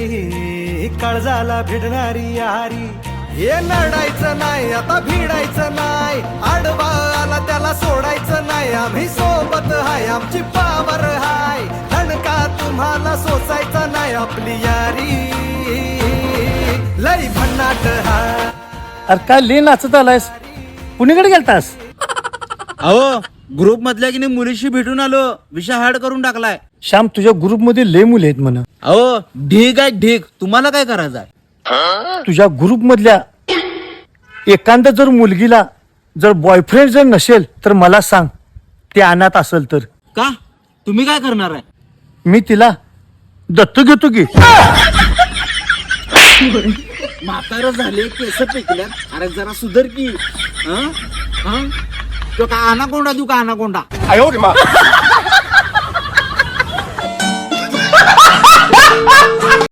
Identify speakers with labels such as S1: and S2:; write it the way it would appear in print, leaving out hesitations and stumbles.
S1: काळजाला भिडणारी यारी. हे नडायचं नाही आता भिडायचं नाही, आडवा आला त्याला सोडायचं नाही. आम्ही सोबत हाय आमची पावर हाय, धणका तुम्हाला सोसायचा नाही. आपली यारी लई भन्नाट हाय.
S2: अरे काय ले नाचत आलायस, कुणीकडे गेलतास?
S3: अहो ग्रुप मधल्या की नाही मुलीशी भेटून आलो, विषय हार्ड करून टाकलाय.
S2: श्याम तुझ्या ग्रुप मध्ये लय मुले आहेत म्हणा.
S3: अहो ढीक आहे ढीक, तुम्हाला काय करायचंय?
S2: तुझ्या ग्रुप मधल्या एखाद्या जर मुलगीला जर बॉयफ्रेंड जर नसेल तर मला सांग, ते अनाथ असेल तर.
S3: का तुम्ही काय करणार आहे?
S2: मी तिला दत्तू घेतो की.
S3: म्हातारं झाले, केस पेकल्यात, अरे जरा सुधर की. हं? हं? तो का अनाकोंडा देऊ का अनाकोंडा?